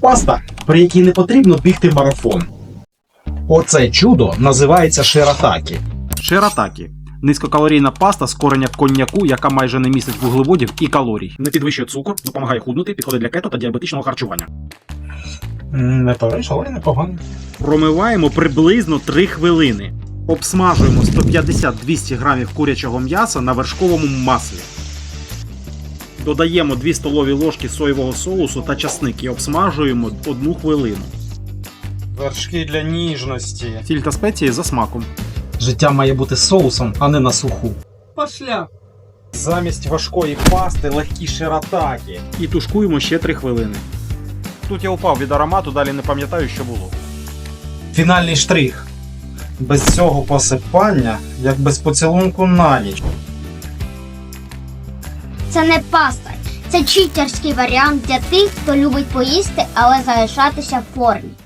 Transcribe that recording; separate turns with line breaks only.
Паста, при якій не потрібно бігти марафон. Оце чудо називається ширатакі.
Ширатакі – низькокалорійна паста з кореня коньяку, яка майже не містить вуглеводів і калорій. Не підвищує цукор, допомагає худнути, підходить для кето та діабетичного харчування.
Не париж, але непогано.
Промиваємо приблизно 3 хвилини. Обсмажуємо 150-200 грамів курячого м'яса на вершковому маслі. Додаємо 2 столові ложки соєвого соусу та часник і обсмажуємо 1 хвилину.
Вершки для ніжності.
Сіль та спеції за смаком.
Життя має бути соусом, а не на суху.
Пошля.
Замість важкої пасти легкі ширатакі.
І тушкуємо ще 3 хвилини. Тут я упав від аромату, далі не пам'ятаю, що було.
Фінальний штрих. Без цього посипання, як без поцілунку на ніч.
Це не паста, це читерський варіант для тих, хто любить поїсти, але залишатися в формі.